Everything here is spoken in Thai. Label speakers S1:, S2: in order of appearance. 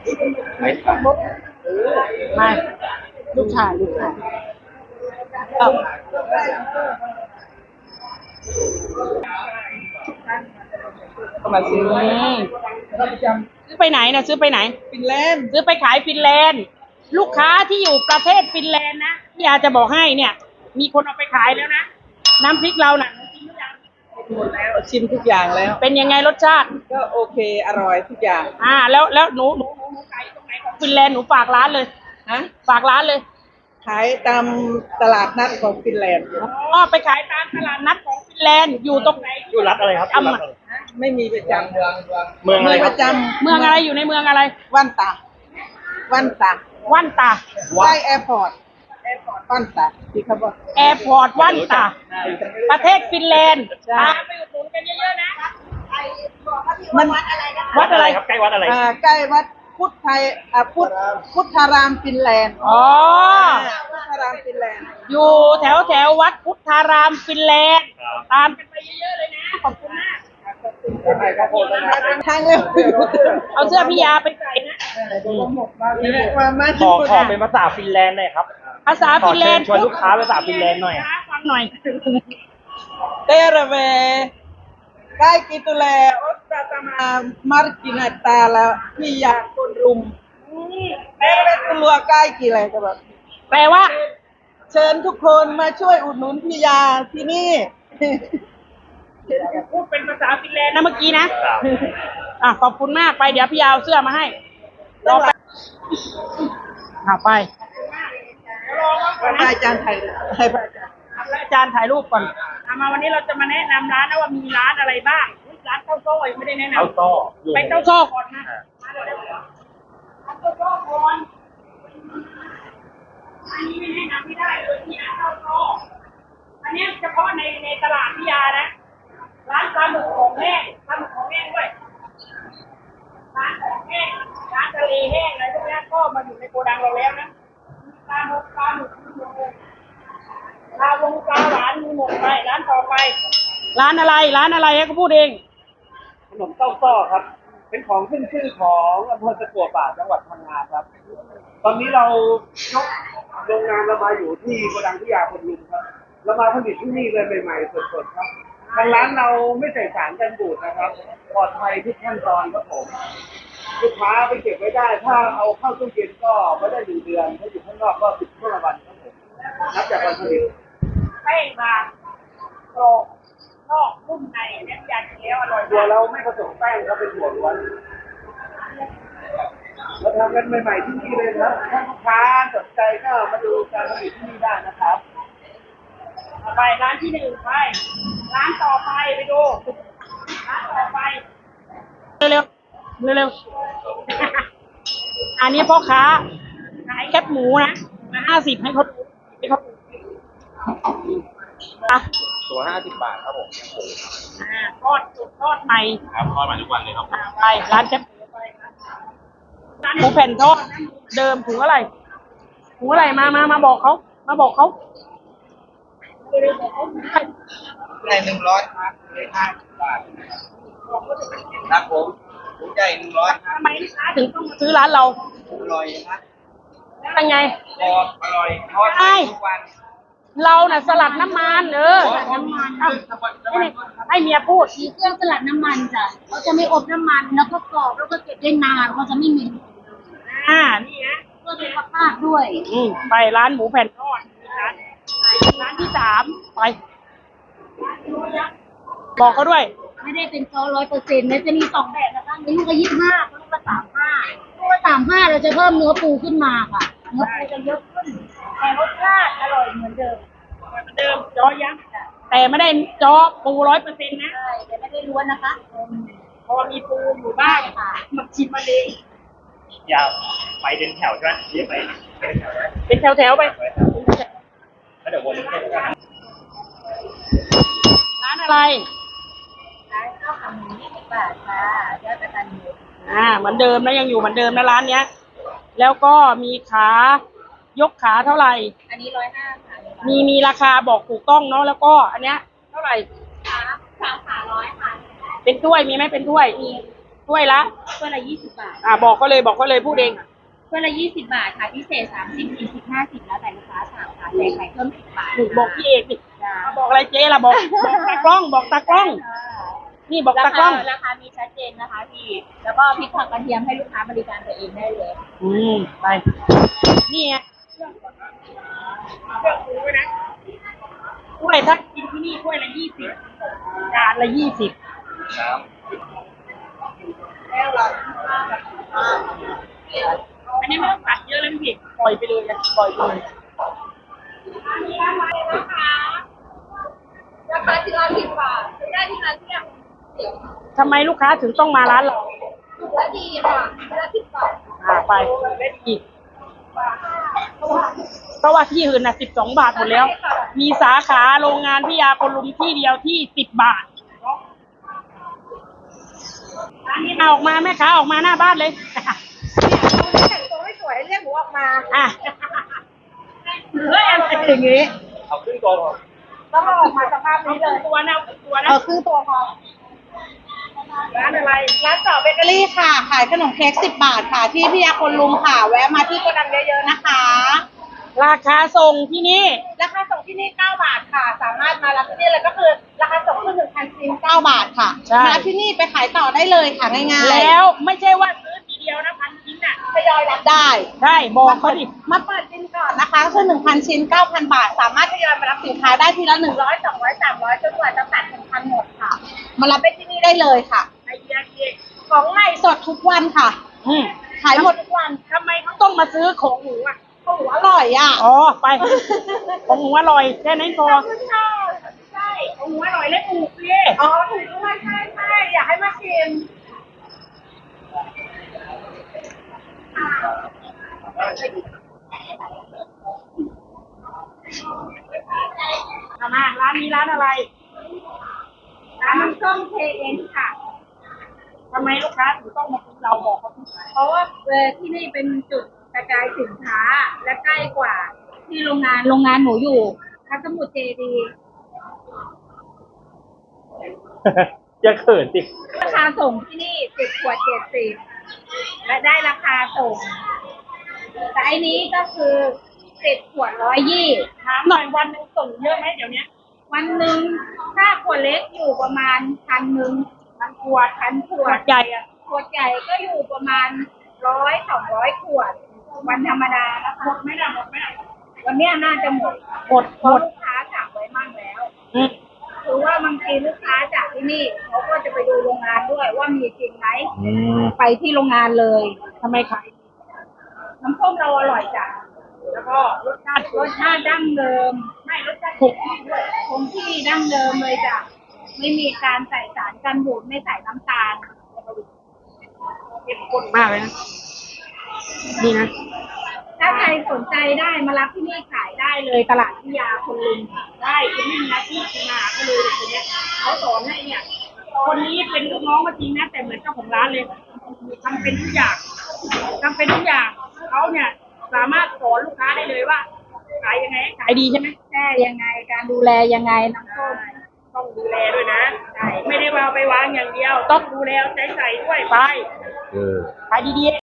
S1: ไม่ตัด
S2: ไม่ลูกชายเอา
S1: ก็มาซื้อ
S2: ซื้อไปไหนนะซื้อไปไหน
S1: ฟินแลนด์
S2: ซื้อไปขายฟินแลนด์ลูกค้าที่อยู่ประเทศฟินแลนด์นะพี่ยาจะบอกให้เนี่ย มีคนเอาไปขายแล้วนะน้ำพริกเราน่ะกินหรือยัง
S1: หมดแล้วชิมทุกอย่างแล้ว
S2: เป็นยังไงรสชาติ
S1: ก็โอเคอร่อยทุกอย่าง
S2: แล้วหนูขายตรงไหนของฟินแลนด์หนูฝากร้านเลย
S1: ฮะ
S2: ฝากร้านเลย
S1: ขายตามตลาดนัดของฟินแลนด์
S2: อ๋อไปขายตามตลาดนัดของฟินแลนด์อยู่ตรงไหน
S3: อยู่รัฐอะไรครับอยู่รัฐอะไร
S1: ไม่มีประจำ
S3: เมืองอะไร
S1: ประจำ
S2: เมืองอะไรอยู่ในเมืองอะไร
S1: วันตา
S2: วันตา
S1: ใกล้แอร์พอร์ตวันตาที่เขาบอก
S2: แอร์พอร์ตวันตาประเทศฟินแลนด์พาไปอุดหนุนกันเยอะๆนะ
S1: มัน
S2: วัดอะไร
S3: ครับใกล้วัดอะไร
S1: ใกล้วัดพุทธไทยพุทธารามฟินแลนด์
S2: อ๋อ
S1: พุทธารามฟินแลนด์
S2: อยู่แถววัดพุทธารามฟินแลนด์ตามกันไปเยอะๆเลยนะขอบคุณมาก
S1: ทางเร็ว
S2: เอาเสื้อพี่ยาไปใส่นะ
S3: ขอเป็นภาษาฟินแลนด์หน่อยครับ
S2: ภาษาฟินแลนด์
S3: ชวนลูกค้าภาษาฟินแลนด์หน่อย
S2: ฟังหน่อย
S1: เตระเวKaikki tulee ostamaan markkinatäällä Pian Rum. Tervetuloa kaikille
S2: แปลว่า
S1: เชิญทุกคนมาช่วยอุดหนุนพี่ยาที่นี่
S2: พูดเป็นภาษาฟินแลนด์นะเมื่อกี้นะขอบคุณมากไปเดี๋ยวพี่ยาเอาเสื้อมาให้รอไปไป
S1: อาจารย์ไทย
S2: อาจารย์ถ่ายรูปก่อนมาวันนี้เราจะมาแนะนำร้านนะว่ามีร้านอะไรบ้างร้านเต้าโซ่ยังไม่ได้แนะนำ
S3: เต้าโซ่
S2: ไปเต้าโซ่ก่อนนะเต้าโซ่ก่อนอันนี้ไม่แนะนำไม่ได้เลยที่ร้านเต้าโซ่อันนี้เฉพาะในตลาดพิยานะร้านปลาหมึกของแห้งด้วยร้านของแห้งร้านทะเลแห้งอะไรพวกนี้ก็มาอยู่ในโกดังเราแล้วนะปลาหมึกปลาหวานมีหมดไปร้านต่อไปร้านอะไรก็พูดเอง
S3: ขนมเต้าซ้อครับเป็นของขึ้นชื่อของอำเภอตะกั่วป่าจังหวัดพังงาครับตอนนี้เรายกโรงงานเรามาอยู่ที่โกดังพิยาคนลุมครับเรามาผลิตที่นี่เลยใหม่ๆสดๆครับทางร้านเราไม่ใส่สารกันบูดนะครับปลอดภัยทุกขั้นตอนครับผมลูกค้าไปเก็บไว้ได้ถ้าเอาเข้าตู้เย็นก็ไม่ได้1 เดือนถ้าอยู่ข้างนอกก็15 วันครับผมนับจากวันผลิต
S2: แป้งบางกรอบนอกนุ่มในเนี่ยยากินแล้วอร่อย
S3: ตัวเราไม่ผสมแป้งครับเป็นถั่วล้วนเราทำกันใหม่ๆที่นี่เลยครับถ้าลูกค้าสนใจก็มาดูการผลิตที่นี่ได้นะครับ
S2: ไปร้านที่1ไปร้านต่อไปไปดูร้านต่อไปเร็วอันนี้พ่อค้าขายแคบหมูนะมา50ให้เขา
S3: ตัว50 บาทครับผม
S2: ทอดสดทอดใหม่
S3: ครับทอดใหม่ทุกวันเลยครับ
S2: ไปร้านแคบหมูไปร้านหมูแผ่นทอดเดิมถุงอะไรมาบอกเขา
S1: ได้100ครับเลย50 บาทครับผมใหญ่100
S2: ทำไมลูกค้าถึงต้องมาซื้อร้านเรา
S1: อร่อยนะ
S2: เป็นไง
S1: อร่อยทอดทุกวัน
S2: เราน่ะสลัดน้ำมันน้ำมันให้เมียพูด
S4: มีเครื่องสลัดน้ำมันจ้ะเขาจะไม่อบน้ำมันแล้วก็กรอบแล้วก็เก็บได้นานเขาจะไม่เหม็น
S2: นี่นะ
S4: เพื่อสุขภาพด้วย
S2: ไปร้านหมูแผ่นทอดร้านที่3ไปบอกเขาด้วย
S4: ไม่ได้เป็นซอ100%มันจะมี2 แบบนะคะมีลูกละ25ลูกละ35ลูกละ35เราจะเพิ่มเนื้อปูขึ้นมาค่ะเนื้อปูจะเยอะขึ้นแต่รสชาติอร่อยเหมือนเดิม
S2: จอยักษ์แต่ไม่ได้จอปู100%นะ
S4: ใช่แต่ไม่ได้ล้วนนะคะ
S2: พอมีปูอยู่บ้างมาชิมมาเอง
S3: ยาวไปเป็นแถวใช่ไหมเรียกไป
S2: เป็นแถวไป
S3: แล้วเดี๋ยววน
S2: ร้านอะไร
S4: ร้านข้าวขาหมู20 บาทค่ะยอดกระตันยู
S2: เหมือนเดิมนะยังอยู่เหมือนเดิมนะร้านเนี้ยแล้วก็มีขายกขาเท่าไหร่
S4: อันนี้150ค่ะ
S2: มีราคาบอกถูกต้องเนาะแล้วก็อันเนี้ยเท่าไหร่
S4: ขา100ค่ะ
S2: เป็นถ้วยมีไหมเป็นถ้วยถ้วยละ
S4: ถ้วยละ20 บาท
S2: บอกเขาเลยพูดเอง
S4: ถ้วยละ20 บาทค่ะพิเศษ30 40 50แล้วแต่ลูกค้าสั่งค่ะใส่ไข่เพิ่ม10 บาท
S2: บอกพี่เอกดิบอกอะไรเจ๊ล่ะบอกตากล้องบอกตากล้อง นี่บอกตากล้อง
S4: ราคามีชัดเจนนะคะพี่แล้วก็พริกผักกระเทียมให้ลูกค้าบริการตัวเองได้เลย
S2: ไปนี่ไงเลือกหมูไว้นะถ้วยถ้ากินที่นี่ถ้วยละ20จานละ20อันนี้ไม่ต้องตัดเยอะเลยพี่ปล่อยไปเลยปล่อยไปเลย
S4: ราคาที่เรา10 บาทได้ที่ร้านเที่ยง
S2: ทำไมลูกค้าถึงต้องมาร้านเรา
S4: ถูกและดีค่ะละ10 บาท
S2: ไปเล่นอีกเพราะว่าที่อื่น12 บาทหมดแล้ว มีสาขาโรงงานพิยาคนลุมที่เดียวที่10 บาทร้านนี้เอาออกมาแม่ค้าออกมาหน้าบ้านเลย
S4: แต่งตัวไม่สวยเรียกหนูออกมา
S2: เฮ้ยอะไรอย่างงี้
S3: เอาขึ้นก่อน
S4: ต้องเอาออกมาสภาพนี้เลย
S2: ตัวนะตัวนะ
S4: ครึ่งตัวพอ
S2: ร้านอะไร
S5: ร้านต่อเบเกอรี่ค่ะ ขายขนมเค้ก10 บาทค่ะ ที่พิยาคนลุมค่ะ แวะมาที่โกดังเยอะๆนะคะ
S2: ราคาส่งที่นี่
S5: ราคาส่งที่นี่9 บาทค่ะ สามารถมารับที่นี่เลยก็คือราคาส่งคือ1,000 ชิ้น9 บาทค่ะ
S2: ใช่
S5: มารับที่นี่ไปขายต่อได้เลยค่ะง่ายๆ
S2: แล้วไม่ใช่ว่าซื้อทีเดียวนะ1,000 ชิ้นน่ะ
S5: ทยอยรับได้
S2: ใช่บอกเขาดิ
S5: มาเปิดบินก่อนนะคะก็คือ1,000 ชิ้น 9,000 บาท สามารถทยอยมารับสินค้าได้ทีละ100 200 300จนกว่าจะตัด1,000หมดค่ะ มารับไปที่นี่ได้เลยค่ะ
S2: ไอเดียเอง
S5: ของใหม่สดทุกวันค่ะ ขายหมดทุกวัน
S2: ทำไมเขาต้องมาซื้อของหมูอ่ะ
S5: โอ้โหอร่อยอ่ะ
S2: ไปของหมูอร่อยแค่นั้นพอ
S5: ใช่
S2: ของหมูอร่อยและถูกพี่
S5: อ๋อถูกด้วยใช่ใช่อยากให้มาชิม
S2: มาร้านนี้ร้านอะไร
S4: ร้านน้ำส้ม KN ค่ะ
S2: ทำไมลูกค้าถึงต้องมาซื้อเราบอกเขาทุก
S4: เพราะว่าที่นี่เป็นจุดกระจายสินค้าและใกล้กว่าที่โรงงานหนูอยู่พัสมุทรเจดีย์
S3: จะเขินสิ
S4: ราคาส่งที่นี่10 ขวด 70และได้ราคาส่งแต่อันนี้ก็คือ10 ขวด 120
S2: ถามหน่อยวันหนึงส่งเยอะไหมเดี๋ยวนี้
S4: วันหนึ่งถ้าขวดเล็กอยู่ประมาณ1,000
S2: มันขวด
S4: 1,000 ขว
S2: ขว
S4: ด
S2: ดใหญ่อะ
S4: ขวดใหญ่ก็อยู่ประมาณ100-200 ขวด วันธรรมดานะคะ
S2: หมดไหมล่ะหมดไหมล่ะ
S4: วันเนี้ยน่าจะหมด
S2: หมด
S4: เพราะลูกค้าสั่งไว้มั่งแล้ว
S2: อืม
S4: คือว่าบางทีลูกค้าจากที่นี่เขาก็จะไปดูโรงงานด้วยว่ามีจริงไหมไปที่โรงงานเลย
S2: ทำไมขาย
S4: น้ำส้มเราอร่อยจ้ะ
S2: แล้วก็รสชาติ
S4: รสชาติดั้งเดิม
S2: ไม่รสชาติถูก
S4: คงที่ดั้งเดิมเลยจ้ะไม่มีการใส่สารกันบูดไม่ใส่น้ำตาล
S2: เข้มข้นมากเลยนะดีนะ
S4: ถ้าใครสนใจได้มารับที่นี่ขายได้เลยตลาดพิยาคนลุม
S2: ได้คุณไม่มีอาชีพมาก็เลยคนเนี้ยเขาสอนให้เนี่ย คนนี้เป็นลูกน้องก็จริงนะแต่เหมือนเจ้าของร้านเลยทำเป็นทุกอย่างเขาเนี่ยสามารถสอนลูกค้าได้เลยว่าขายยังไงให้ขายดีใช่ไหม
S4: แช่ยังไงการดูแลยังไงน้ำส้ม
S2: ต้องดูแลด้วยนะไม่ได้ว่าเอาไปวางอย่างเดียว ต้องดูแลเอาใจใส่ด้วยไปขายดีๆ